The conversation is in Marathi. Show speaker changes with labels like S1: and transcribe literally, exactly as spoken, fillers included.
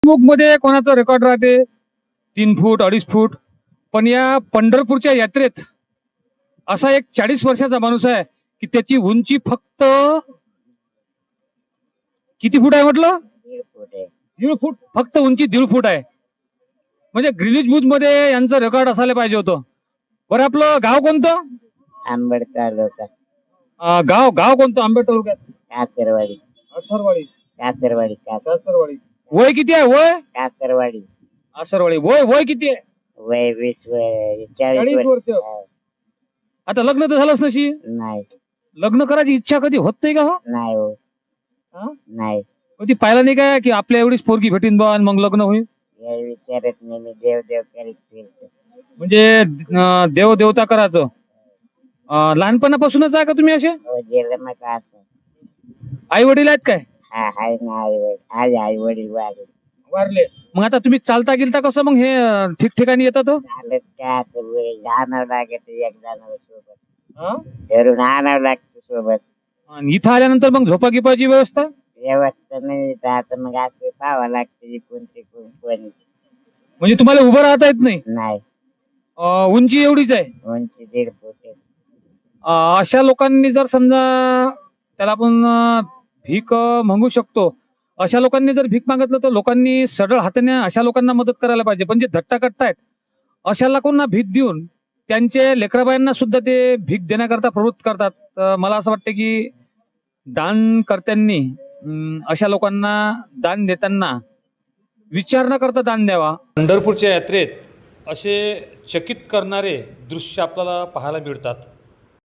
S1: बुक मध्ये कोणाचं रेकॉर्ड राहते तीन फूट अडीच फूट, पण या पंढरपूरच्या यात्रेत असा एक चाळीस वर्षाचा माणूस आहे की त्याची उंची फक्त किती फूट आहे म्हटलं?
S2: दीड फूट आहे.
S1: दीड फूट, फक्त उंची दीड फूट आहे. म्हणजे ग्रीनिज बुक मध्ये यांचं रेकॉर्ड असायला पाहिजे होतं. बरं, आपलं गाव कोणतं?
S2: आंबेड तालुका,
S1: अं, गाव गाव कोणतं? आंबेड तालुक्यात
S2: कासरवाडी.
S1: आसरवाडी.
S2: कासरवाडी कासर
S1: आसरवाडी. वय किती आहे? वय
S2: कासरवाडी.
S1: आसरवाडी. वय वय किती आहे?
S2: वय वीस वय चाळीस
S1: चाळीस वर्ष.
S2: वर्ष.
S1: आता लग्न तर झालंच नशी.
S2: नाही
S1: लग्न करायची इच्छा कधी होत नाही का? हो,
S2: नाही हो
S1: हा?
S2: नाही.
S1: कधी पाहिलं नाही काय की आपल्या एवढीच पोरगी भेटीन बा आणि मग लग्न होईल?
S2: हे विचारत नाही मी, देव देव करीत फिरतो.
S1: म्हणजे अं, देव देवता करायचं. अं, लहानपणापासूनच आहे का तुम्ही असे?
S2: हो गेलं मग असं.
S1: आई वडील आहेत काय?
S2: हा हाय ना आई वडील. आज आई वडील वारले.
S1: वारले. मग आता तुम्ही चालता गेलता कसं मग हे अं, ठिकठिकाणी येतात हो?
S2: चालत काय असं वय आणावं लागत एक जणांना सोबत.
S1: हा?
S2: धरून आणावं लागतं सोबत.
S1: आणि इथं आल्यानंतर मग झोपा गिपाची व्यवस्था?
S2: व्यवस्था नाही तर आता मग असं पाहावं लागतं इकून तिकून कोणी.
S1: म्हणजे तुम्हाला उभं राहता येत नाही?
S2: नाही.
S1: अं, उंची एवढीच आहे.
S2: उंची दीड फूट आहे.
S1: अं, अशा लोकांनी जर समजा त्याला आपण अं, भीक अं, मागू शकतो, अशा लोकांनी जर भीक मागितलं तर लोकांनी सरळ हाताने अशा लोकांना मदत करायला पाहिजे. पण जे धट्टा करतायत अशा लोकांना भीक देऊन त्यांचे लेकराबाईंना सुद्धा ते भीक देण्याकरता प्रवृत्त करतात. तर मला असं वाटतं की दानकर्त्यांनी अं, अशा लोकांना दान देताना विचार न करता दान द्यावा. पंढरपूरच्या यात्रेत असे चकित करणारे दृश्य आपल्याला पाहायला मिळतात.